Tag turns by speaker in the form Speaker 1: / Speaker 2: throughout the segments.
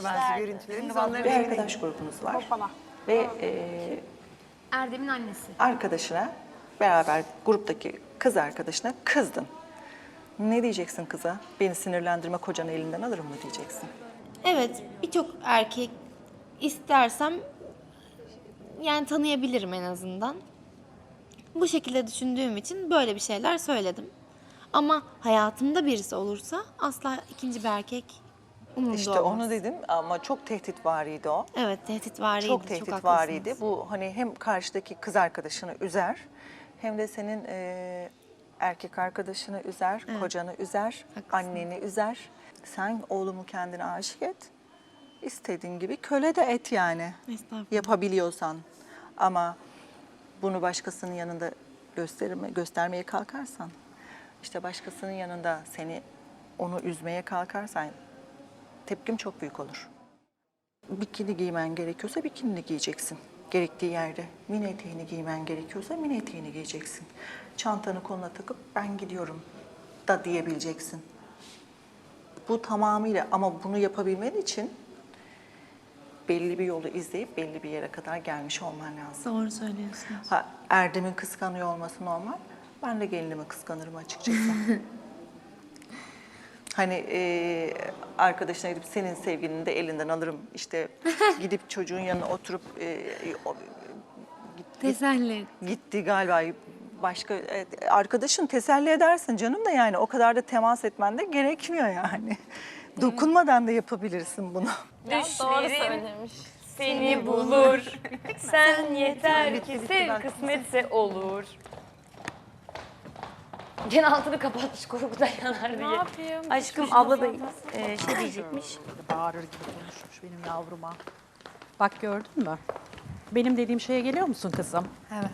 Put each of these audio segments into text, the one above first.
Speaker 1: bazı görüntülerimiz. Onları
Speaker 2: Bir arkadaş grubunuz var. Ve
Speaker 3: Erdem'in annesi.
Speaker 2: arkadaşına, beraber gruptaki kız arkadaşına kızdın. Ne diyeceksin kıza? Beni sinirlendirme, kocanı elinden alırım mı diyeceksin?
Speaker 3: Evet, birçok erkek istersem yani tanıyabilirim en azından. Bu şekilde düşündüğüm için böyle bir şeyler söyledim. Ama hayatımda birisi olursa asla ikinci bir erkek umurumda
Speaker 2: İşte
Speaker 3: olmaz.
Speaker 2: onu dedim ama çok tehditvariydi o.
Speaker 3: Evet, tehditvariydi.
Speaker 2: Çok
Speaker 3: haklısınız.
Speaker 2: tehditvariydi. Bu hani hem karşıdaki kız arkadaşını üzer hem de senin erkek arkadaşını üzer, kocanı üzer, anneni üzer. Sen oğlumu kendine aşık et. İstediğin gibi köle de et yani.
Speaker 3: Estağfurullah.
Speaker 2: Yapabiliyorsan. Ama bunu başkasının yanında göstermeye kalkarsan, işte başkasının yanında onu üzmeye kalkarsan tepkim çok büyük olur. Bikini giymen gerekiyorsa bikinini giyeceksin. Gerektiği yerde mini eteğini giymen gerekiyorsa mini eteğini giyeceksin. Çantanı koluna takıp ben gidiyorum da diyebileceksin. Bu tamamıyla, ama bunu yapabilmen için belli bir yolu izleyip belli bir yere kadar gelmiş olman lazım.
Speaker 3: Doğru söylüyorsunuz.
Speaker 2: Erdem'in kıskanıyor olması normal. Ben de gelinimi kıskanırım açıkçası. Hani arkadaşına gidip senin sevgilini de elinden alırım. İşte gidip çocuğun yanına oturup
Speaker 3: Teselli.
Speaker 2: gitti galiba başka arkadaşın teselli edersin canım da, yani o kadar da temas etmen de gerekmiyor yani. Dokunmadan da yapabilirsin bunu.
Speaker 4: Düşlerim seni bulur. Sen yeter ki sev, kısmetse olur. Gene altını kapatmış korkudan yanar diye.
Speaker 5: Ne yapayım?
Speaker 4: Aşkım abla da şey diyecekmiş.
Speaker 5: Bağırır gibi konuşmuş benim yavruma. Bak gördün mü? Benim dediğim şeye geliyor musun kızım?
Speaker 3: Evet.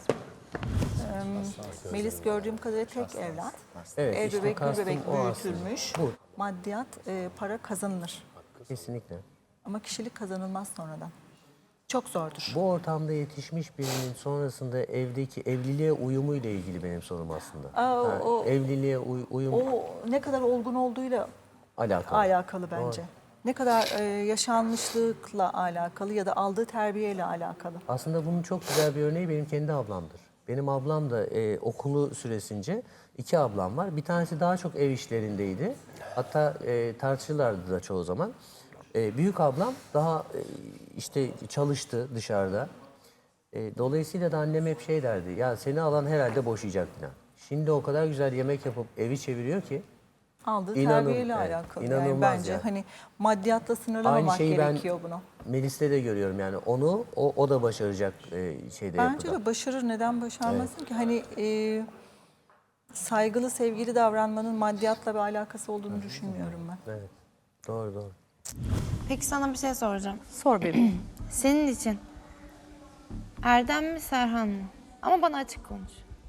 Speaker 2: Melis gördüğüm kadarıyla tek evlat.
Speaker 6: Evet,
Speaker 2: Ev
Speaker 6: işte
Speaker 2: bebek, gül
Speaker 6: kastım
Speaker 2: bebek
Speaker 6: o aslında.
Speaker 2: büyütülmüş.
Speaker 6: Bu.
Speaker 2: Maddiyat, para kazanılır.
Speaker 6: Kesinlikle.
Speaker 2: Ama kişilik kazanılmaz sonradan. Çok zordur.
Speaker 6: Bu ortamda yetişmiş birinin sonrasında evliliğe uyumu ile ilgili benim sorum aslında. Evliliğe uyum
Speaker 2: O ne kadar olgun olduğuyla alakalı bence.
Speaker 6: Doğru.
Speaker 2: Ne kadar yaşanmışlıkla alakalı ya da aldığı terbiyeyle alakalı.
Speaker 6: Aslında bunun çok güzel bir örneği benim kendi ablamdır. Benim ablam da okulu süresince 2 ablam var. Bir tanesi daha çok ev işlerindeydi. Hatta tartışırlardı da çoğu zaman. Büyük ablam daha işte çalıştı dışarıda. Dolayısıyla da annem hep şey derdi. Ya seni alan herhalde boşayacak falan. Şimdi o kadar güzel yemek yapıp evi çeviriyor ki.
Speaker 2: Aldığı
Speaker 6: İnanın-
Speaker 2: terbiyeyle
Speaker 6: evet,
Speaker 2: alakalı.
Speaker 6: inanılmaz
Speaker 2: Yani bence
Speaker 6: yani.
Speaker 2: hani maddiyatla sınırlamamak
Speaker 6: Aynı şeyi
Speaker 2: gerekiyor bunu.
Speaker 6: Melis'te de görüyorum yani. O da başaracak şeyde
Speaker 2: Bence
Speaker 6: yapıda.
Speaker 2: de başarır. Neden başarmasın ki? Hani saygılı, sevgili davranmanın maddiyatla bir alakası olduğunu düşünmüyorum ben.
Speaker 6: Evet. Doğru.
Speaker 3: Peki sana bir şey soracağım.
Speaker 5: Sor bebeğim.
Speaker 3: Senin için Erdem mi Serhan mı? Ama bana açık konuş.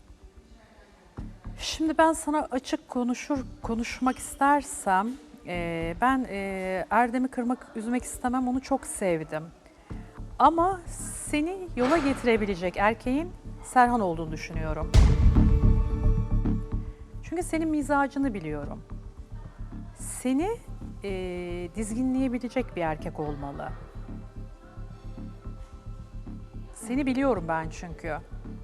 Speaker 5: Şimdi ben sana açık konuşmak istersem ben Erdem'i üzmek istemem, onu çok sevdim. Ama seni yola getirebilecek erkeğin Serhan olduğunu düşünüyorum. Çünkü senin mizacını biliyorum. Seni dizginleyebilecek bir erkek olmalı. Seni biliyorum ben çünkü.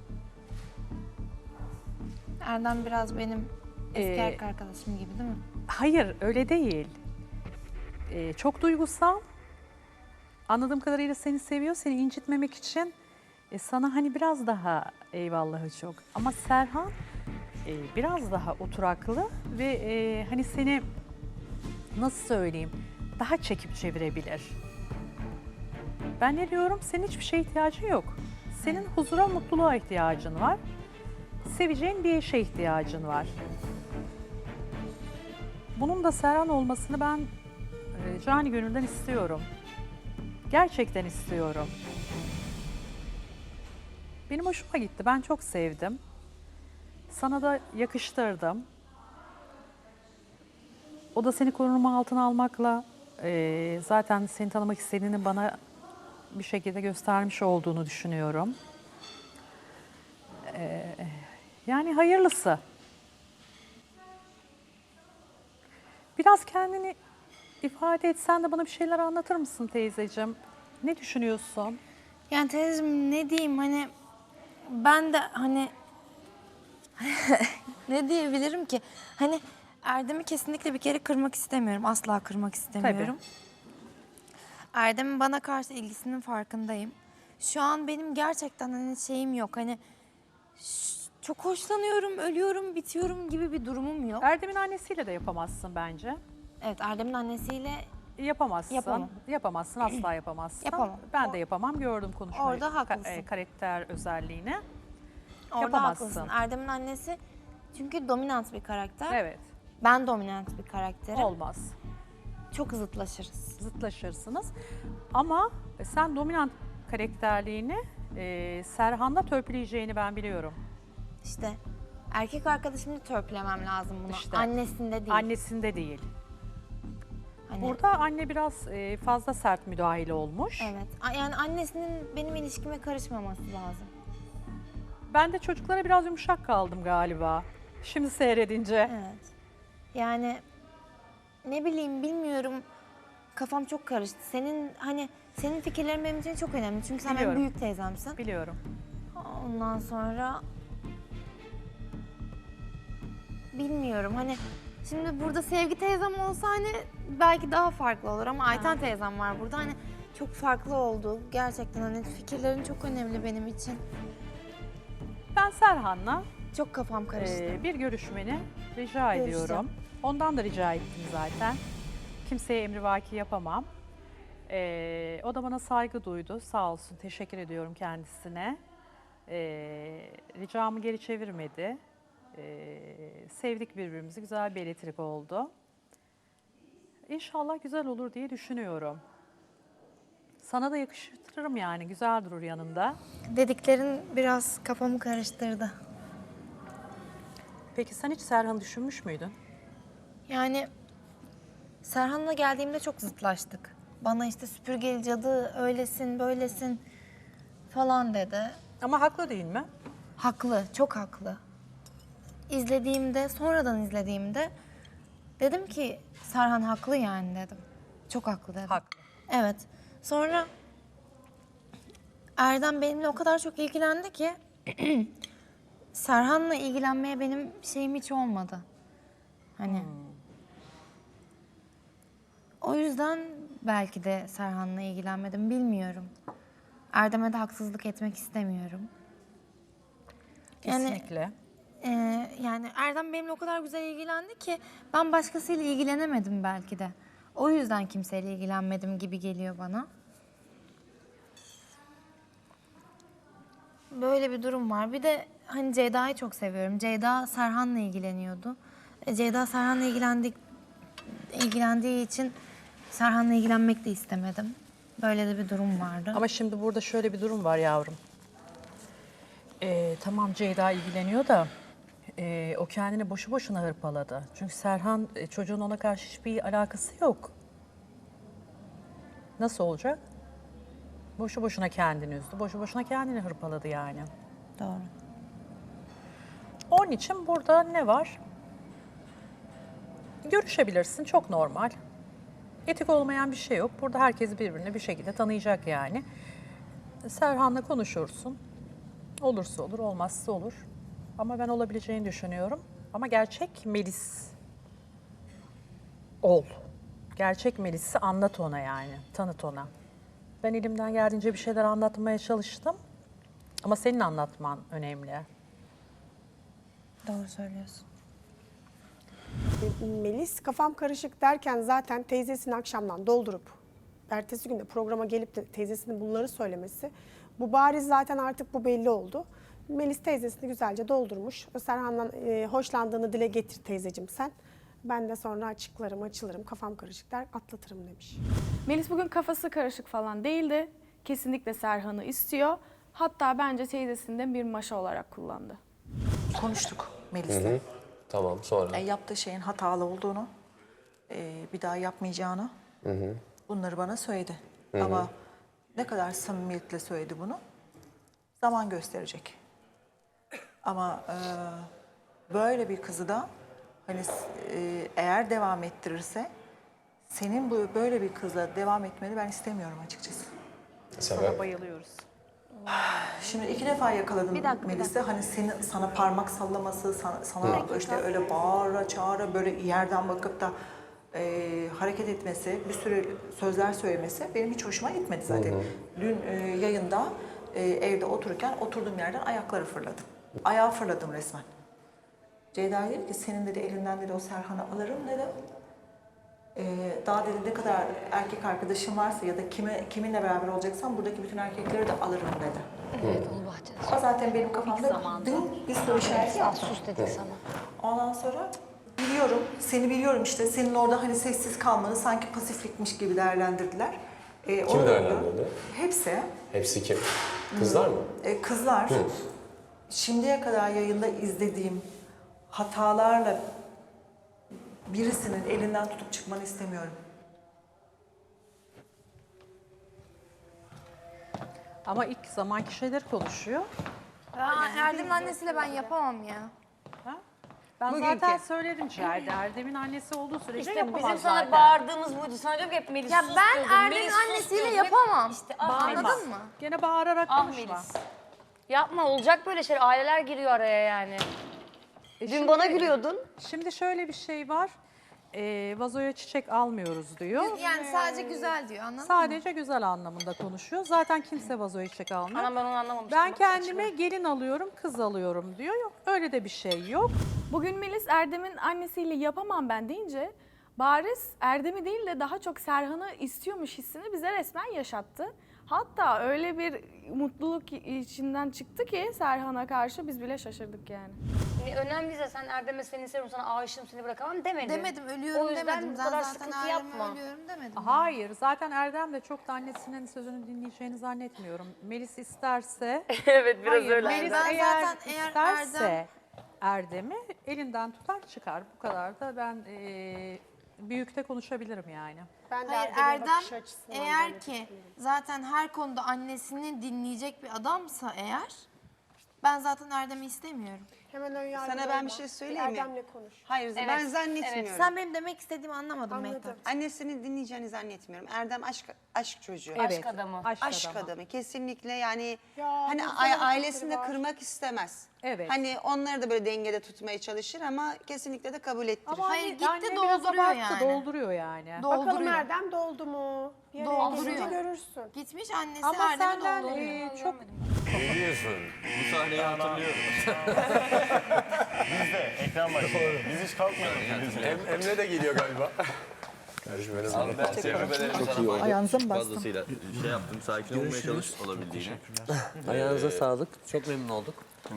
Speaker 3: Erdem biraz benim eski
Speaker 5: Ee,
Speaker 3: erkek arkadaşım gibi değil mi?
Speaker 5: Hayır, öyle değil. Çok duygusal. Anladığım kadarıyla seni seviyor. Seni incitmemek için sana hani biraz daha eyvallahı çok. Ama Serhan biraz daha oturaklı ve hani seni nasıl söyleyeyim daha çekip çevirebilir. Ben ne diyorum? Senin hiçbir şeye ihtiyacın yok. Senin huzura, mutluluğa ihtiyacın var. Seveceğin bir eşe ihtiyacın var. Bunun da Serhan olmasını ben cani gönülden istiyorum. Gerçekten istiyorum. Benim hoşuma gitti. Ben çok sevdim. Sana da yakıştırdım. O da seni koruma altına almakla zaten seni tanımak istediğini bana bir şekilde göstermiş olduğunu düşünüyorum. Yani hayırlısı. Biraz kendini ifade et. Sen de bana bir şeyler anlatır mısın teyzeciğim? Ne düşünüyorsun?
Speaker 3: Yani teyzeciğim ne diyeyim hani ben de hani ne diyebilirim ki? Hani Erdem'i kesinlikle bir kere kırmak istemiyorum. Asla kırmak istemiyorum. Erdem'in bana karşı ilgisinin farkındayım. Şu an benim gerçekten hani şeyim yok. Hani çok hoşlanıyorum, ölüyorum, bitiyorum gibi bir durumum yok.
Speaker 5: Erdem'in annesiyle de yapamazsın bence.
Speaker 3: Evet, Erdem'in annesiyle
Speaker 5: Yapamazsın.
Speaker 3: Yapamam.
Speaker 5: Yapamazsın, asla yapamazsın.
Speaker 3: Yapamam.
Speaker 5: Ben de yapamam. Gördüm konuşmayı.
Speaker 3: Orada haklısın.
Speaker 5: Karakter özelliğini.
Speaker 3: orada
Speaker 5: Yapamazsın.
Speaker 3: haklısın. Erdem'in annesi çünkü dominant bir karakter.
Speaker 5: Evet.
Speaker 3: Ben dominant bir karakterim.
Speaker 5: Olmaz.
Speaker 3: Çok zıtlaşırız.
Speaker 5: Zıtlaşırsınız. Ama sen dominant karakterliğini Serhan'da törpüleyeceğini ben biliyorum.
Speaker 3: İşte erkek arkadaşımda törpülemem lazım bunu.
Speaker 5: İşte.
Speaker 3: Annesinde değil.
Speaker 5: Annesinde değil.
Speaker 3: Hani,
Speaker 5: Burada anne biraz fazla sert müdahale olmuş.
Speaker 3: evet. Yani annesinin benim ilişkime karışmaması lazım.
Speaker 5: Ben de çocuklara biraz yumuşak kaldım galiba. Şimdi seyredince.
Speaker 3: Evet. Yani ne bileyim bilmiyorum. Kafam çok karıştı. Senin fikirlerin benim için çok önemli. Çünkü sen benim
Speaker 5: Biliyorum.
Speaker 3: büyük teyzemsin.
Speaker 5: Biliyorum.
Speaker 3: Ondan sonra bilmiyorum hani şimdi burada Sevgi teyzem olsa hani belki daha farklı olur ama Ayten teyzem var burada hani çok farklı oldu. Gerçekten hani fikirlerin çok önemli benim için.
Speaker 5: Ben Serhan'la
Speaker 3: Çok kafam karıştı.
Speaker 5: bir görüşmeni rica
Speaker 3: Görüşeceğim.
Speaker 5: ediyorum. Ondan da rica ettim zaten. Kimseye emrivaki yapamam. O da bana saygı duydu. Sağ olsun. Teşekkür ediyorum kendisine. Ricamı geri çevirmedi. Sevdik birbirimizi. Güzel bir elektrik oldu. İnşallah güzel olur diye düşünüyorum. Sana da yakıştırırım yani. Güzel durur yanında.
Speaker 3: Dediklerin biraz kafamı karıştırdı.
Speaker 5: Peki sen hiç Serhan'ı düşünmüş müydün?
Speaker 3: Yani Serhan'la geldiğimde çok zıtlaştık. Bana işte süpürgeli cadı öylesin böylesin falan dedi.
Speaker 5: Ama haklı değil mi?
Speaker 3: Haklı, çok haklı. Sonradan izlediğimde dedim ki Serhan haklı yani dedim. Çok haklı dedim.
Speaker 5: Haklı.
Speaker 3: Evet. Sonra Erdem benimle o kadar çok ilgilendi ki Serhan'la ilgilenmeye benim şeyim hiç olmadı. Hani o yüzden belki de Serhan'la ilgilenmedim bilmiyorum. Erdem'e de haksızlık etmek istemiyorum. Yani
Speaker 5: Kesinlikle.
Speaker 3: Yani Erdem benimle o kadar güzel ilgilendi ki ben başkasıyla ilgilenemedim belki de. O yüzden kimseyle ilgilenmedim gibi geliyor bana. Böyle bir durum var. Bir de hani Ceyda'yı çok seviyorum. Ceyda Serhan'la ilgileniyordu. Ceyda Serhan'la ilgilendiği için Serhan'la ilgilenmek de istemedim. Böyle de bir durum vardı.
Speaker 5: Ama şimdi burada şöyle bir durum var yavrum. Tamam Ceyda ilgileniyor da o kendini boşu boşuna hırpaladı. Çünkü Serhan çocuğun ona karşı hiçbir alakası yok. Nasıl olacak? Boşu boşuna kendini üzdü. Boşu boşuna kendini hırpaladı yani.
Speaker 3: Doğru.
Speaker 5: Onun için burada ne var? Görüşebilirsin, çok normal. Etik olmayan bir şey yok. Burada herkes birbirini bir şekilde tanıyacak yani. Serhan'la konuşursun. Olursa olur, olmazsa olur. Ama ben olabileceğini düşünüyorum. Ama gerçek Melis ol. Gerçek Melis'i anlat ona yani, tanıt ona. Ben elimden geldiğince bir şeyler anlatmaya çalıştım. Ama senin anlatman önemli.
Speaker 3: Doğru söylüyorsun.
Speaker 1: Melis kafam karışık derken zaten teyzesini akşamdan doldurup ertesi günde programa gelip de teyzesinin bunları söylemesi bu bariz zaten artık bu belli oldu. Melis teyzesini güzelce doldurmuş. Serhan'dan hoşlandığını dile getir teyzeciğim sen. Ben de sonra açılırım, kafam karışık der, atlatırım demiş.
Speaker 7: Melis bugün kafası karışık falan değildi. Kesinlikle Serhan'ı istiyor. Hatta bence teyzesini de bir maşa olarak kullandı.
Speaker 2: Konuştuk Melis'le.
Speaker 8: Tamam, sonra?
Speaker 2: Yaptığı şeyin hatalı olduğunu, bir daha yapmayacağını bunları bana söyledi. Ama ne kadar samimiyetle söyledi bunu zaman gösterecek. Ama böyle bir kızı da hani eğer devam ettirirse senin böyle bir kızla devam etmeni ben istemiyorum açıkçası.
Speaker 5: Sana bayılıyoruz.
Speaker 2: Şimdi 2 defa yakaladım Melis'i. Hani sana parmak sallaması, sana işte öyle bağıra çağıra böyle yerden bakıp da hareket etmesi, bir sürü sözler söylemesi benim hiç hoşuma gitmedi zaten. Dün yayında evde otururken oturduğum yerden ayakları fırladım. Ayağı fırladım resmen. Ceyda dedi ki senin dedi elinden dedi o Serhan'ı alırım dedi. Daha dedi ne kadar erkek arkadaşım varsa ya da kiminle beraber olacaksan buradaki bütün erkekleri de alırım dedi.
Speaker 4: Evet onu bahçede.
Speaker 2: O zaten benim kafamda bir soru işareti yaptı.
Speaker 4: Sus dedik sana.
Speaker 2: Ondan sonra biliyorum, seni biliyorum işte. Senin orada hani sessiz kalmanı sanki pasiflikmiş gibi değerlendirdiler.
Speaker 8: Kim değerlendirdi?
Speaker 2: Hepsi.
Speaker 8: Hepsi kim? Kızlar mı?
Speaker 2: Kızlar. Şimdiye kadar yayında izlediğim hatalarla birisinin elinden tutup çıkmanı istemiyorum.
Speaker 5: Ama ilk zamanki şeyler konuşuyor.
Speaker 3: Erdem'in annesiyle ben yapamam ya.
Speaker 5: Ben zaten söyledim Ciherde. Erdem'in annesi olduğu sürece
Speaker 4: İşte
Speaker 5: yapamaz
Speaker 4: bizim sana
Speaker 5: zaten.
Speaker 4: bağırdığımız buydu. Sana diyorum ki hep Melis
Speaker 3: Ya
Speaker 4: sus
Speaker 3: ben
Speaker 4: diyordun.
Speaker 3: Erdem'in
Speaker 4: Melis sus
Speaker 3: annesiyle
Speaker 4: diyordun.
Speaker 3: yapamam.
Speaker 4: İşte
Speaker 3: Anladın mı?
Speaker 5: Gene bağırarak konuşma.
Speaker 4: Melis. Yapma olacak böyle şeyler. Aileler giriyor araya yani. Dün bana gülüyordun.
Speaker 5: Şimdi şöyle bir şey var. Vazoya çiçek almıyoruz diyor.
Speaker 3: Yani sadece güzel diyor anladın mı?
Speaker 5: Sadece güzel anlamında konuşuyor. Zaten kimse vazoya çiçek almıyor.
Speaker 4: Anam ben onu anlamamıştım.
Speaker 5: Ben
Speaker 4: Bak,
Speaker 5: kendime gelin alıyorum, kız alıyorum diyor. Yok, öyle de bir şey yok.
Speaker 7: Bugün Melis Erdem'in annesiyle yapamam ben deyince bariz Erdem'i değil de daha çok Serhan'ı istiyormuş hissini bize resmen yaşattı. Hatta öyle bir mutluluk içinden çıktı ki Serhan'a karşı biz bile şaşırdık yani.
Speaker 4: önemliyse sen Erdem'e seni seviyorum, sana aşığım, seni bırakamam demedin.
Speaker 3: Demedim ölüyorum
Speaker 4: O yüzden
Speaker 3: demedim.
Speaker 4: bu
Speaker 3: Ben
Speaker 4: kadar
Speaker 3: zaten
Speaker 4: sıkıntı
Speaker 3: Erdem'e
Speaker 4: yapma.
Speaker 3: ölüyorum demedim.
Speaker 5: Hayır, zaten Erdem de çok da annesinin sözünü dinleyeceğini zannetmiyorum. Melis isterse...
Speaker 4: Evet biraz
Speaker 5: Hayır,
Speaker 4: öyle.
Speaker 5: Melis
Speaker 3: Ben
Speaker 5: eğer
Speaker 3: zaten eğer
Speaker 5: isterse Erdem'i elinden tutar çıkar. Bu kadar da ben büyükte konuşabilirim yani.
Speaker 1: Ben de
Speaker 3: Hayır
Speaker 1: Erdem'in
Speaker 3: Erdem
Speaker 1: bakış açısından
Speaker 3: eğer
Speaker 1: böyle
Speaker 3: ki zaten her konuda annesini dinleyecek bir adamsa eğer ben zaten Erdem'i istemiyorum.
Speaker 1: hemen ön yargılı
Speaker 9: Sana ben
Speaker 1: olma.
Speaker 9: bir şey söyleyeyim mi?
Speaker 1: Erdem'le konuş.
Speaker 9: Hayır ben zannetmiyorum.
Speaker 3: Sen benim demek istediğimi anlamadın
Speaker 1: Anladım.
Speaker 3: Mehtap.
Speaker 9: Annesini dinleyeceğini zannetmiyorum. Erdem aşk çocuğu.
Speaker 5: Evet,
Speaker 4: adamı.
Speaker 9: Aşk adamı kesinlikle yani
Speaker 1: Ya,
Speaker 9: hani
Speaker 1: bu sana
Speaker 9: ailesini de
Speaker 1: var.
Speaker 9: kırmak istemez.
Speaker 5: Evet.
Speaker 9: Hani onları da böyle dengede tutmaya çalışır ama kesinlikle de kabul ettirir.
Speaker 3: Hayır, gitti,
Speaker 5: anne biraz
Speaker 3: dolduruyor
Speaker 5: abarttı,
Speaker 3: yani.
Speaker 5: dolduruyor yani.
Speaker 1: Bakalım
Speaker 3: Dolduruyor.
Speaker 1: Erdem doldu mu? Bir araya
Speaker 3: Dolduruyor.
Speaker 1: gelince görürsün.
Speaker 3: Gitmiş annesi
Speaker 5: Ama
Speaker 3: Erdem'i
Speaker 5: senden
Speaker 3: dolduruyor.
Speaker 5: çok...
Speaker 10: Biliyorsun. Bu sahneyi hatırlıyorum.
Speaker 11: Ekran başında. Biz hiç kalkmıyoruz.
Speaker 8: Emre de geliyor galiba. Kardeşim benim.
Speaker 10: Abi ben tecrübelerimi sana
Speaker 2: Ayağınıza mı bastım?
Speaker 10: fazlasıyla şey yaptım. Sakin olmaya çalış olabildiğine.
Speaker 6: Ayağınıza sağlık. Çok memnun olduk.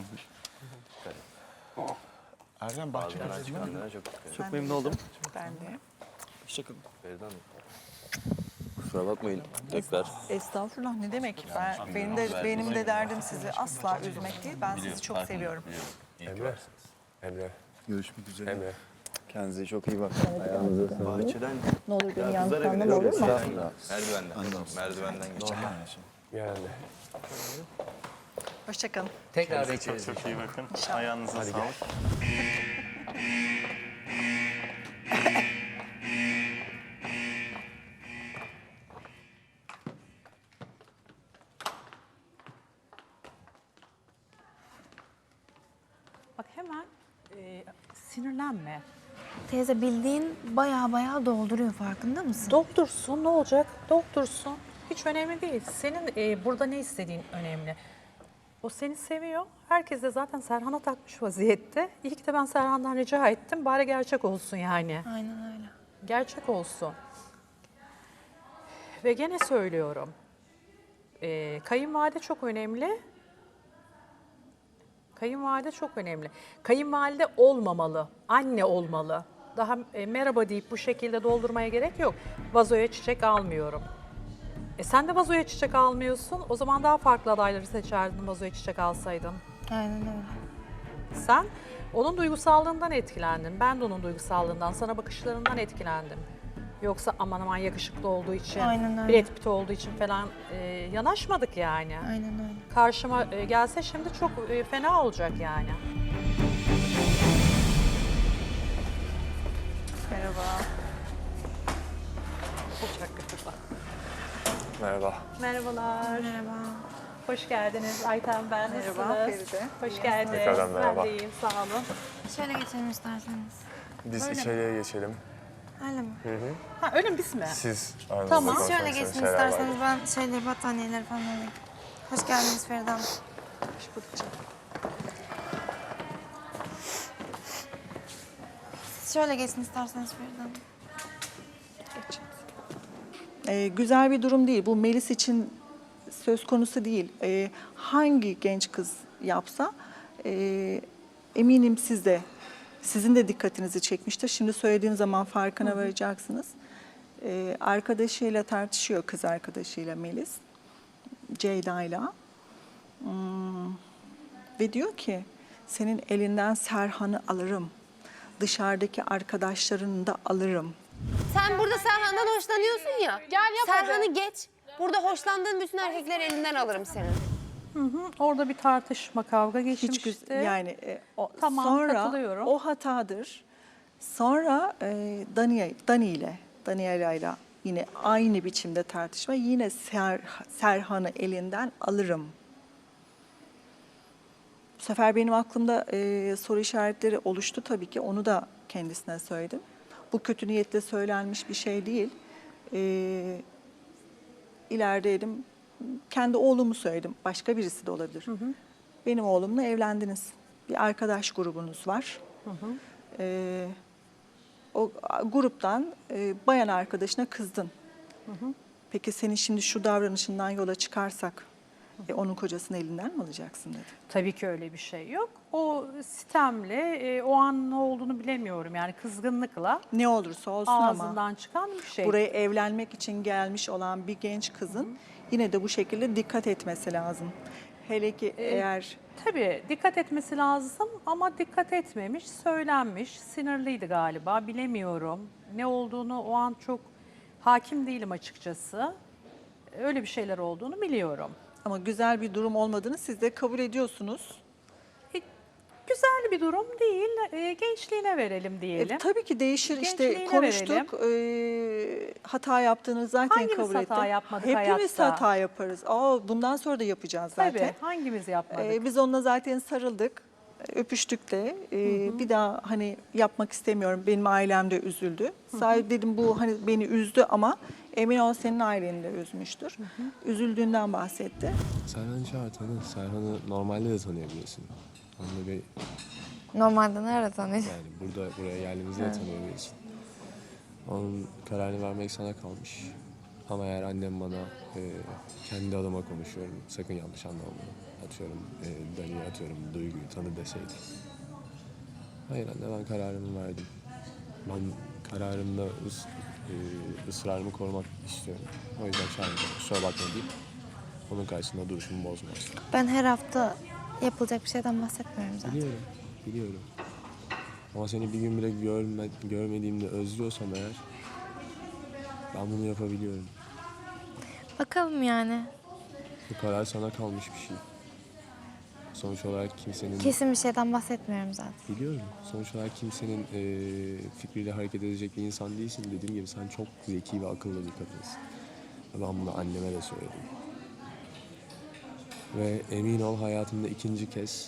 Speaker 11: Erdem bahçe
Speaker 10: Çıkanlara çok dikkat edin.
Speaker 2: Çok memnun oldum.
Speaker 10: Feride Hanım. Kusura bakmayın tekrar.
Speaker 2: Estağfurullah ne demek? Benim de derdim sizi asla üzmek değil. Ben sizi çok seviyorum.
Speaker 8: Emre. Emre.
Speaker 11: Görüşmek üzere.
Speaker 8: Emre.
Speaker 11: Kendinize çok iyi bakın.
Speaker 10: Bahçeden
Speaker 2: Ne olur beni yanlış
Speaker 10: kızlara
Speaker 2: anlama olur mu?
Speaker 10: Merdivenden geçelim.
Speaker 8: Yani.
Speaker 2: Hoşçakalın.
Speaker 6: Tekrar bekleriz.
Speaker 11: Çok iyi bakın. Ayağınıza sağlık.
Speaker 5: Bak hemen sinirlenme.
Speaker 3: Teyze bildiğin baya dolduruyor farkında mısın?
Speaker 5: Doldursun ne olacak? Doldursun. Hiç önemli değil. Senin burada ne istediğin önemli. O seni seviyor. Herkes de zaten Serhan'a takmış vaziyette. İyi ki de ben Serhan'dan rica ettim. Bari gerçek olsun yani.
Speaker 3: Aynen öyle.
Speaker 5: Gerçek olsun. Ve gene söylüyorum. Kayınvalide çok önemli. Kayınvalide çok önemli. Kayınvalide olmamalı. Anne olmalı. Daha merhaba deyip bu şekilde doldurmaya gerek yok. Vazoya çiçek almıyorum. Sen de vazoya çiçek almıyorsun. O zaman daha farklı adayları seçerdin vazoya çiçek alsaydın.
Speaker 3: Aynen öyle.
Speaker 5: Sen onun duygusallığından etkilendin. Ben de onun duygusallığından, sana bakışlarından etkilendim. Yoksa aman aman yakışıklı olduğu için,
Speaker 3: Aynen öyle.
Speaker 5: Brad Pitt olduğu için falan yanaşmadık yani.
Speaker 3: Aynen öyle.
Speaker 5: Karşıma gelse şimdi çok fena olacak yani.
Speaker 2: Merhaba.
Speaker 5: olacak galiba.
Speaker 8: Merhaba.
Speaker 5: Merhabalar. Merhaba. Hoş geldiniz Ayten ben.
Speaker 2: Merhaba,
Speaker 5: Nasılsınız?
Speaker 2: Feride.
Speaker 5: Hoş geldiniz.
Speaker 8: Tekrardan merhaba.
Speaker 5: Ben de iyiyim sağ olun.
Speaker 3: Şöyle geçelim isterseniz.
Speaker 8: Biz içeriye geçelim.
Speaker 3: Öyle mi?
Speaker 5: Ha öyle mi biz mi?
Speaker 8: Siz aranızda
Speaker 5: Tamam.
Speaker 8: konuşmak
Speaker 3: Şöyle
Speaker 8: istediğiniz
Speaker 3: geçin
Speaker 8: şeyler
Speaker 3: isterseniz
Speaker 8: vardır.
Speaker 3: ben şeyleri, battaniyeleri falan alayım. Hoş geldiniz Feride Hanım.
Speaker 2: Hoş bulduk canım.
Speaker 3: Siz şöyle geçin isterseniz Feride Hanım.
Speaker 2: Güzel bir durum değil. Bu Melis için söz konusu değil. Hangi genç kız yapsa eminim sizin de dikkatinizi çekmiştir. Şimdi söylediğim zaman farkına varacaksınız. Arkadaşıyla tartışıyor, kız arkadaşıyla Melis, Ceyda'yla. Ve diyor ki senin elinden Serhan'ı alırım. Dışarıdaki arkadaşlarını da alırım.
Speaker 12: Sen burada Serhan'dan hoşlanıyorsun ya.
Speaker 7: Gel yap hadi.
Speaker 12: Serhan'ı geç. Burada hoşlandığın bütün erkekleri elinden alırım senin.
Speaker 5: Orada bir tartışma, kavga geçmişti.
Speaker 2: Hiç yani
Speaker 5: Tamam,
Speaker 2: sonra
Speaker 5: katılıyorum.
Speaker 2: o hatadır. Sonra Daniela'yla yine aynı biçimde tartışma. Yine Serhan'ı elinden alırım. Bu sefer benim aklımda soru işaretleri oluştu tabii ki. Onu da kendisine söyledim. Bu kötü niyetle söylenmiş bir şey değil. İleride dedim, kendi oğlumu söyledim. Başka birisi de olabilir. Benim oğlumla evlendiniz. Bir arkadaş grubunuz var. O gruptan bayan arkadaşına kızdın. Peki senin şimdi şu davranışından yola çıkarsak onun kocasını elinden mi alacaksın dedi.
Speaker 5: Tabii ki öyle bir şey yok. O sitemle o an ne olduğunu bilemiyorum. Yani kızgınlıkla
Speaker 2: Ne olursa olsun ama
Speaker 5: ağzından çıkan bir şey.
Speaker 2: buraya evlenmek için gelmiş olan bir genç kızın yine de bu şekilde dikkat etmesi lazım. Hele ki eğer
Speaker 5: Tabii dikkat etmesi lazım ama dikkat etmemiş, söylenmiş, sinirliydi galiba, bilemiyorum. Ne olduğunu o an çok hakim değilim açıkçası. Öyle bir şeyler olduğunu biliyorum.
Speaker 2: ama güzel bir durum olmadığını siz de kabul ediyorsunuz.
Speaker 5: Güzel bir durum değil, gençliğine verelim diyelim.
Speaker 2: Tabii ki değişir işte
Speaker 5: Gençliğine
Speaker 2: konuştuk. Hata yaptığını zaten
Speaker 5: Hangimiz
Speaker 2: kabul ettim.
Speaker 5: hata yapmadık
Speaker 2: Hepimiz
Speaker 5: hayatta?
Speaker 2: hata yaparız. Bundan sonra da yapacağız zaten.
Speaker 5: Tabii, hangimiz yapmadık?
Speaker 2: Biz onunla zaten sarıldık, öpüştük de. Bir daha hani yapmak istemiyorum. Benim ailem de üzüldü. Sadece dedim bu hani beni üzdü ama emin ol senin aileni de üzmüştür. Üzüldüğünden bahsetti.
Speaker 8: Serhan'ı çağır tanı. Serhan'ı normalde de tanıyabilirsin. Onunla bir
Speaker 3: Normalde nerede tanıyorsun?
Speaker 8: yani buraya geldiğimizde de tanıyabilirsin. Onun kararını vermek sana kalmış. Ama eğer annem bana kendi adıma konuşuyorum, sakın yanlış anlama bunu. Atıyorum Dani'yi atıyorum Duygu'yu tanı deseydi. Hayır anne ben kararımı verdim. Ben kararımda ısrarımı korumak istiyorum. O yüzden çağırmayacağım. Kusura bakma deyip onun karşısında duruşumu bozmaz.
Speaker 3: Ben her hafta yapılacak bir şeyden bahsetmiyorum zaten.
Speaker 8: Biliyorum. Ama seni bir gün bile görmediğimde özlüyorsam eğer ben bunu yapabiliyorum.
Speaker 3: Bakalım yani.
Speaker 8: Bu karar sana kalmış bir şey. Sonuç olarak kimsenin...
Speaker 3: Kesin bir şeyden bahsetmiyorum zaten.
Speaker 8: Biliyorum. Sonuç olarak kimsenin fikriyle hareket edecek bir insan değilsin. Dediğim gibi sen çok zeki ve akıllı bir kadınsın. Ben bunu anneme de söyledim. Ve emin ol hayatımda ikinci kez,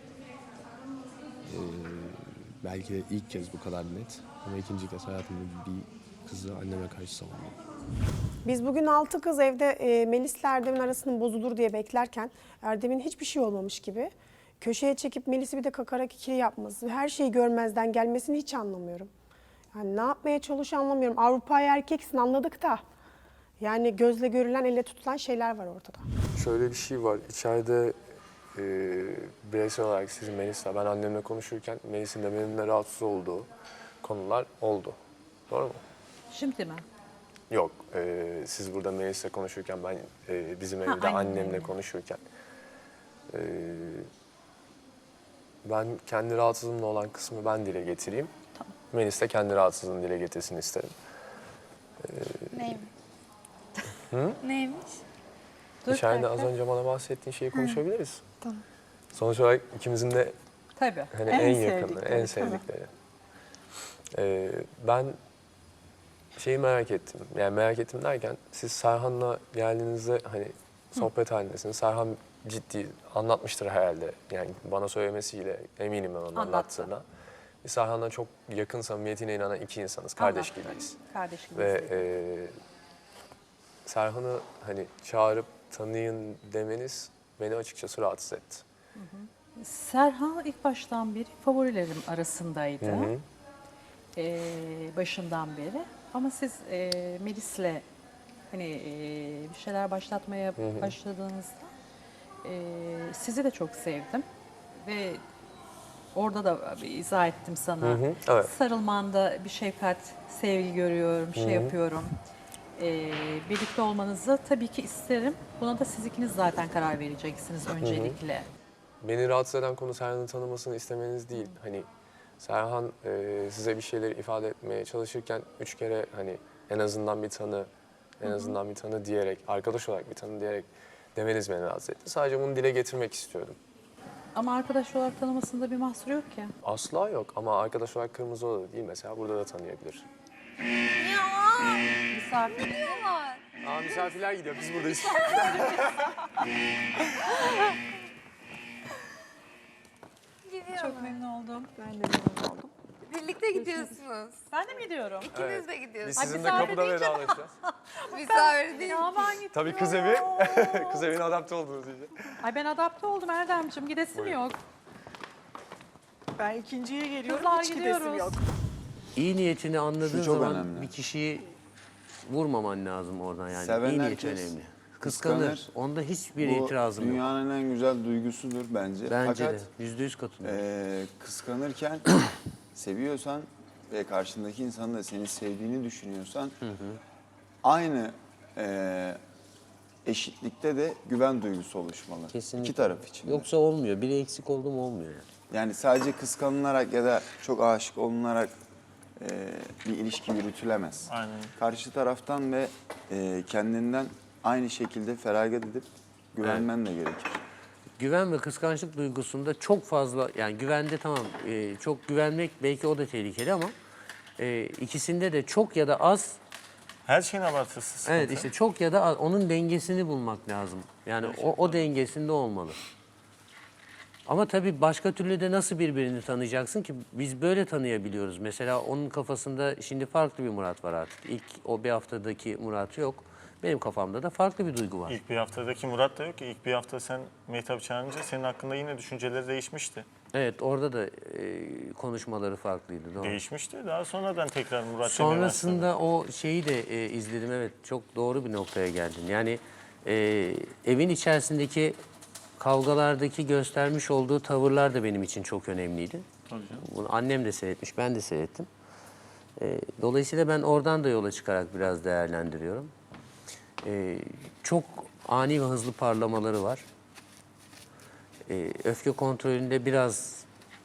Speaker 8: belki de ilk kez bu kadar net ama ikinci kez hayatımda bir kızı anneme karşı savundum.
Speaker 1: Biz bugün 6 kız evde Melis'le Erdem'in arasının bozulur diye beklerken Erdem'in hiçbir şey olmamış gibi köşeye çekip Melis'i bir de kakarak ikili yapması, her şeyi görmezden gelmesini hiç anlamıyorum. Yani ne yapmaya çalışıyor anlamıyorum. Avrupa'ya erkeksin anladık da yani gözle görülen, elle tutulan şeyler var ortada.
Speaker 8: Şöyle bir şey var. İçeride bireysel olarak sizin Melis'le, ben annemle konuşurken Melis'in de benimle rahatsız olduğu konular oldu. Doğru mu?
Speaker 5: Şimdi mi?
Speaker 8: Yok. Siz burada Melis'le konuşurken ben bizim evde
Speaker 5: aynen,
Speaker 8: annemle
Speaker 5: aynen.
Speaker 8: konuşurken ben kendi rahatsızlığımla olan kısmı ben dile getireyim.
Speaker 5: Tamam.
Speaker 8: Melis de kendi rahatsızlığını dile getirsin isterim.
Speaker 3: Neymiş?
Speaker 8: Hı?
Speaker 3: Neymiş?
Speaker 5: Dur
Speaker 8: İçeride
Speaker 5: kanka.
Speaker 8: az önce bana bahsettiğin şeyi konuşabiliriz.
Speaker 3: Tamam.
Speaker 8: Sonuç olarak ikimizin de
Speaker 5: Tabii.
Speaker 8: hani en yakını,
Speaker 5: sevdikleri,
Speaker 8: en
Speaker 5: tabii.
Speaker 8: sevdikleri. Ben Şeyi merak ettim. Yani merak ettim derken siz Serhan'la geldiğinizde hani sohbet halindesiniz. Serhan ciddi anlatmıştır herhalde. Yani bana söylemesiyle eminim ben onun
Speaker 5: Anlattı.
Speaker 8: anlattığına. Biz Serhan'la çok yakın samimiyetine inanan iki insanız. Kardeş
Speaker 5: Anlattı.
Speaker 8: gibiyiz.
Speaker 5: Kardeş gibi.
Speaker 8: Ve Serhan'ı hani çağırıp tanıyın demeniz beni açıkçası rahatsız etti.
Speaker 5: Serhan ilk baştan beri favorilerim arasındaydı.
Speaker 8: Hı hı.
Speaker 5: Başından beri. Ama siz Melis'le hani bir şeyler başlatmaya başladığınızda sizi de çok sevdim. Ve orada da bir izah ettim sana.
Speaker 8: Hı hı, evet.
Speaker 5: Sarılmanda bir şefkat, sevgi görüyorum, şey yapıyorum. Birlikte olmanızı tabii ki isterim. Buna da siz ikiniz zaten karar vereceksiniz öncelikle.
Speaker 8: Beni rahatsız eden konu Serhan'ı tanımasını istemeniz değil. Hani Serhan size bir şeyler ifade etmeye çalışırken 3 kere hani en azından bir tanı, en azından bir tanı diyerek, arkadaş olarak bir tanı diyerek demeniz beni rahatsız etti. Sadece bunu dile getirmek istiyordum.
Speaker 5: Ama arkadaş olarak tanımasında bir mahsur yok ki.
Speaker 8: Asla yok ama arkadaş olarak Kırmızı Oda'da değil mesela burada da tanıyabilir.
Speaker 5: Misafir.
Speaker 8: Aa misafirler gidiyor biz buradayız.
Speaker 5: Çok memnun oldum.
Speaker 2: Ben de memnun oldum.
Speaker 12: Birlikte gidiyorsunuz.
Speaker 5: Ben de mi gidiyorum?
Speaker 12: İkiniz de
Speaker 8: Biz
Speaker 12: gidiyorsunuz.
Speaker 8: sizinle kapıda vedalaşacağız.
Speaker 12: Misafir değil.
Speaker 5: Ya ben gittim.
Speaker 8: Tabii kız evi, kız evine adapte oldunuz iyice.
Speaker 5: Ay ben adapte oldum Erdemciğim. Gidesim
Speaker 8: Buyurun.
Speaker 5: yok.
Speaker 1: Ben ikinciye geliyorum,
Speaker 5: Kızlar
Speaker 1: hiç gidesim
Speaker 5: gidiyoruz.
Speaker 1: yok.
Speaker 6: İyi niyetini anladığın
Speaker 11: Şu çok
Speaker 6: zaman
Speaker 11: önemli.
Speaker 6: bir kişiyi vurmaman lazım oradan yani.
Speaker 11: Seven
Speaker 6: İyi niyet
Speaker 11: herkes
Speaker 6: önemli. Kıskanır.
Speaker 11: kıskanır.
Speaker 6: Onda hiçbir
Speaker 11: Bu
Speaker 6: itirazım yok.
Speaker 11: dünyanın en güzel duygusudur bence.
Speaker 6: Bence
Speaker 11: Fakat
Speaker 6: de. %100 katılıyorum.
Speaker 11: kıskanırken seviyorsan ve karşındaki insanın da seni sevdiğini düşünüyorsan aynı eşitlikte de güven duygusu oluşmalı.
Speaker 6: Kesinlikle.
Speaker 11: İki taraf için. de.
Speaker 6: Yoksa olmuyor. Biri eksik oldu mu olmuyor yani.
Speaker 11: Yani sadece kıskanılarak ya da çok aşık olunarak bir ilişki yürütülemez.
Speaker 10: Aynen.
Speaker 11: Karşı taraftan ve kendinden aynı şekilde feragat edip güvenmen de gerekir.
Speaker 6: Güven ve kıskançlık duygusunda çok fazla yani güvende tamam çok güvenmek belki o da tehlikeli ama ikisinde de çok ya da az
Speaker 10: Her şeyin abartısı sıkıntı.
Speaker 6: evet işte çok ya da az onun dengesini bulmak lazım. Yani o dengesinde olmalı. Ama tabii başka türlü de nasıl birbirini tanıyacaksın ki biz böyle tanıyabiliyoruz. Mesela onun kafasında şimdi farklı bir Murat var artık. İlk o bir haftadaki Murat yok. Benim kafamda da farklı bir duygu var.
Speaker 10: İlk bir haftadaki Murat da yok ki. İlk bir hafta sen Mehtap'ı çağırınca senin hakkında yine düşünceleri değişmişti.
Speaker 6: Evet orada da konuşmaları farklıydı. Doğru.
Speaker 10: Değişmişti. Daha sonradan tekrar Murat demeye başladı.
Speaker 6: Sonrasında o şeyi de izledim. Evet çok doğru bir noktaya geldin. Yani evin içerisindeki kavgalardaki göstermiş olduğu tavırlar da benim için çok önemliydi.
Speaker 10: Tabii canım.
Speaker 6: Bunu annem de seyretmiş, ben de seyrettim. Dolayısıyla ben oradan da yola çıkarak biraz değerlendiriyorum. Çok ani ve hızlı parlamaları var. Öfke kontrolünde biraz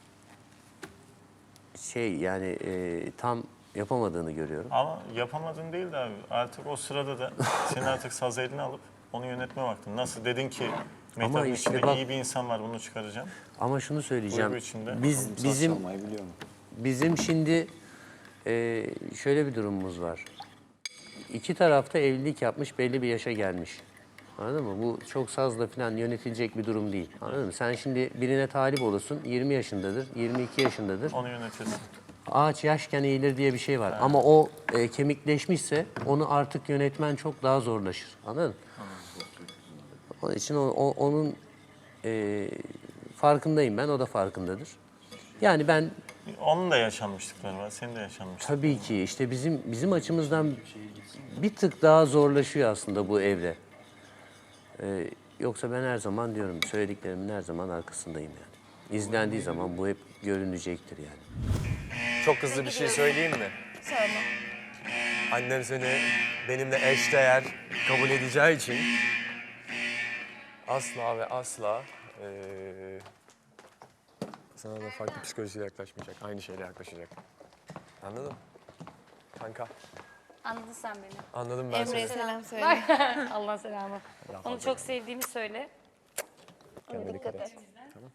Speaker 6: yani tam yapamadığını görüyorum.
Speaker 10: Ama yapamadın değil de abi. Artık o sırada da senin artık saz eline alıp onu yönetme vaktin. Nasıl dedin ki Mehtap'ın
Speaker 6: işte
Speaker 10: içinde
Speaker 6: bak-
Speaker 10: iyi bir insan var bunu çıkaracağım.
Speaker 6: Ama şunu söyleyeceğim.
Speaker 10: Duygu içinde.
Speaker 6: Bizim
Speaker 11: Çalmayı biliyor mu?
Speaker 6: Bizim şimdi şöyle bir durumumuz var. İki tarafta evlilik yapmış, belli bir yaşa gelmiş. Anladın mı? Bu çok sazla falan yönetilecek bir durum değil. Anladın mı? Sen şimdi birine talip olursun, 20 yaşındadır, 22 yaşındadır.
Speaker 10: Onu yönetirsin.
Speaker 6: Ağaç yaşken eğilir diye bir şey var. Ama o kemikleşmişse onu artık yönetmen çok daha zorlaşır. Anladın mı? Onun için onun farkındayım ben, o da farkındadır. Yani ben
Speaker 10: Onun da yaşanmışlıkları var. Senin de yaşanmışlıkların.
Speaker 6: tabii ki işte bizim açımızdan bir tık daha zorlaşıyor aslında bu evre. Yoksa ben her zaman diyorum söylediklerimin her zaman arkasındayım yani. İzlendiği zaman bu hep görünecektir yani.
Speaker 8: Çok hızlı bir şey söyleyeyim mi?
Speaker 12: Söyle.
Speaker 8: Annem seni benimle eşdeğer kabul edeceği için asla ve asla sana da farklı psikolojiyle yaklaşmayacak. Aynı şeyle yaklaşacak. Anladın mı? Kanka.
Speaker 4: Anladın sen beni.
Speaker 8: Anladım ben
Speaker 3: Emre'ye
Speaker 8: seni.
Speaker 3: selam söyle.
Speaker 4: Allah selamı. Onu çok sevdiğimi söyle.
Speaker 8: Kendine dikkat et. Tamam.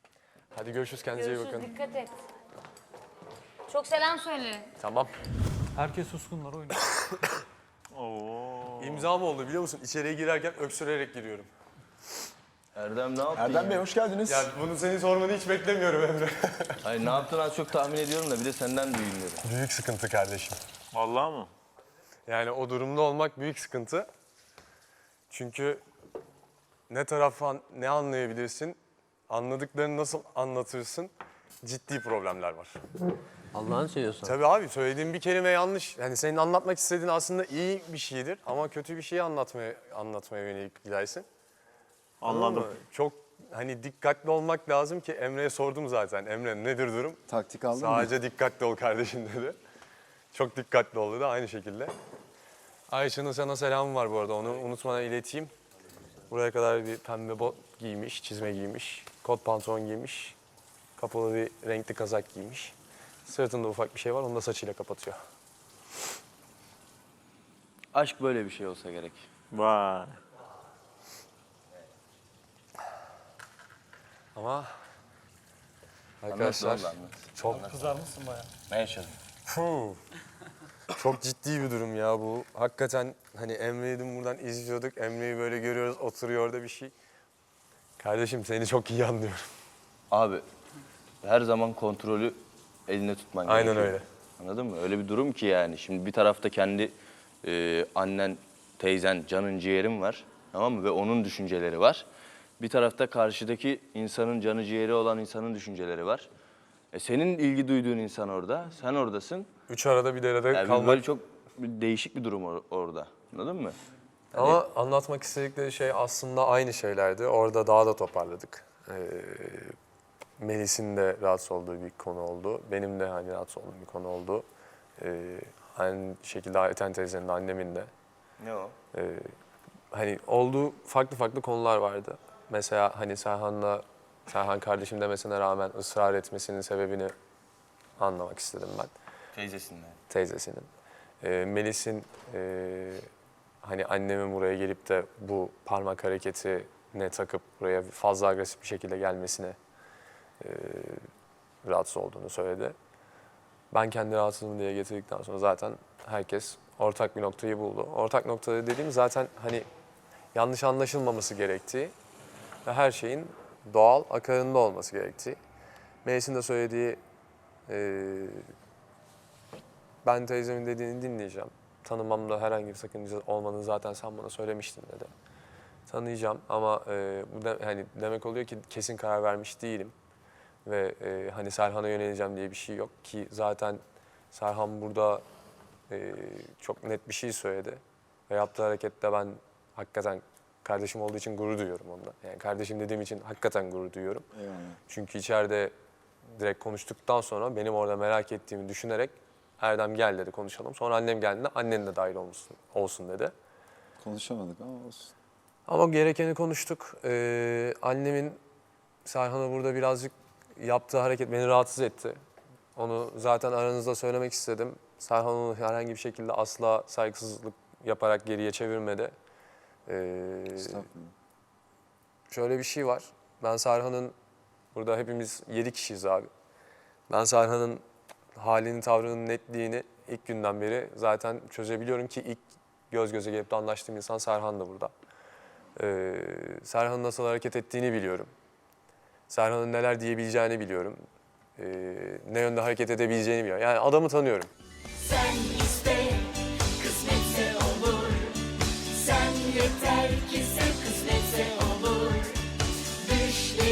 Speaker 8: Hadi görüşürüz. Kendinize iyi
Speaker 4: Görüşürüz.
Speaker 8: bakın.
Speaker 4: Dikkat et. Çok selam söyle.
Speaker 8: Tamam.
Speaker 13: Herkes suskunlar oynuyor.
Speaker 10: Oo.
Speaker 8: İmza mı oldu biliyor musun? İçeriye girerken öksürerek giriyorum.
Speaker 14: Erdem ne yaptın
Speaker 11: Erdem
Speaker 14: ya?
Speaker 11: Bey hoş geldiniz.
Speaker 8: Ya bunu senin sormanı hiç beklemiyorum Emre.
Speaker 14: Hayır ne yaptın az çok tahmin ediyorum da bir de senden duymuyorum.
Speaker 8: Büyük sıkıntı kardeşim.
Speaker 10: Vallahi mı?
Speaker 8: Yani o durumda olmak büyük sıkıntı. Çünkü ne taraftan ne anlayabilirsin, anladıklarını nasıl anlatırsın, ciddi problemler var.
Speaker 6: Allah'ını seviyorsan.
Speaker 8: Tabii abi söylediğin bir kelime yanlış. Yani senin anlatmak istediğin aslında iyi bir şeydir ama kötü bir şeyi anlatmaya yönelik gidersin.
Speaker 10: Anladım.
Speaker 8: Ama çok hani dikkatli olmak lazım ki Emre'ye sordum zaten. Emre nedir durum?
Speaker 11: Taktik aldın mı?
Speaker 8: Sadece dikkatli ol kardeşim dedi. Çok dikkatli ol dedi aynı şekilde. Ayşe'nin sana selamı var bu arada onu unutmadan ileteyim. Buraya kadar bir pembe bot giymiş, çizme giymiş, kot pantolon giymiş, kapalı bir renkli kazak giymiş. Sırtında ufak bir şey var, onu da saçıyla kapatıyor.
Speaker 14: Aşk böyle bir şey olsa gerek.
Speaker 10: Vay.
Speaker 8: Ama arkadaşlar
Speaker 14: Anlat.
Speaker 8: çok
Speaker 10: Kızarmışsın bayağı.
Speaker 14: Ne yaşadın?
Speaker 8: çok ciddi bir durum ya bu. Hakikaten hani Emre'yi dün buradan izliyorduk. Emre'yi böyle görüyoruz, oturuyor orada bir şey. Kardeşim seni çok iyi anlıyorum.
Speaker 14: Abi her zaman kontrolü elinde tutman gerekiyor.
Speaker 8: Aynen öyle.
Speaker 14: Anladın mı? Öyle bir durum ki yani. Şimdi bir tarafta kendi annen, teyzen, canın ciğerin var. Tamam mı? Ve onun düşünceleri var. Bir tarafta karşıdaki insanın canı ciğeri olan insanın düşünceleri var. Senin ilgi duyduğun insan orada, sen oradasın.
Speaker 8: Üç arada bir derede
Speaker 14: Yani
Speaker 8: kalmak.
Speaker 14: böyle çok değişik bir durum orada. Anladın mı?
Speaker 8: Ama anlatmak istedikleri şey aslında aynı şeylerdi. Orada daha da toparladık. Melis'in de rahatsız olduğu bir konu oldu. Benim de hani rahatsız olduğum bir konu oldu. Aynı şekilde Ayten teyzenin de annemin de.
Speaker 14: Ne o?
Speaker 8: Hani olduğu farklı farklı vardı. Mesela hani Serhan kardeşim demesine rağmen ısrar etmesinin sebebini anlamak istedim ben.
Speaker 14: Teyzesinden.
Speaker 8: Teyzesinin. Melis'in hani annemin buraya gelip de bu parmak hareketine takıp buraya fazla agresif bir şekilde gelmesine rahatsız olduğunu söyledi. Ben kendi rahatsızlığımı diye getirdikten sonra zaten herkes ortak bir noktayı buldu. Ortak noktada dediğim zaten hani yanlış anlaşılmaması gerektiği ve her şeyin doğal akarında olması gerektiği. Melis'in de söylediği ben teyzemin dediğini dinleyeceğim. Tanımamda herhangi bir sakınca olmadığını zaten sen bana söylemiştin dedi. Tanıyacağım ama bu hani demek oluyor ki kesin karar vermiş değilim. Ve hani Serhan'a yöneleceğim diye bir şey yok ki zaten Serhan burada çok net bir şey söyledi. Ve yaptığı harekette ben hakikaten kardeşim olduğu için gurur duyuyorum ondan. Yani kardeşim dediğim için hakikaten gurur duyuyorum.
Speaker 11: Eyvallah.
Speaker 8: Çünkü içeride direkt konuştuktan sonra benim orada merak ettiğimi düşünerek Erdem gel dedi konuşalım. Sonra annem geldiğinde annen de dahil olsun dedi.
Speaker 11: Konuşamadık ama olsun.
Speaker 8: Ama gerekeni konuştuk. Annemin Serhan'a burada birazcık yaptığı hareket beni rahatsız etti. Onu zaten aranızda söylemek istedim. Serhan onu herhangi bir şekilde asla saygısızlık yaparak geriye çevirmedi.
Speaker 11: Estağfurullah.
Speaker 8: Şöyle bir şey var. Ben Serhan'ın, burada hepimiz 7 kişiyiz abi. Ben Serhan'ın halini, tavrının netliğini ilk günden beri zaten çözebiliyorum ki ilk göz göze gelip de anlaştığım insan Serhan da burada. Serhan'ın nasıl hareket ettiğini biliyorum. Serhan'ın neler diyebileceğini biliyorum. Ne yönde hareket edebileceğini biliyorum. Yani adamı tanıyorum.
Speaker 15: Sen iste, kısmetse olur. Sen yeter ki sen kısmetse olur. Düşle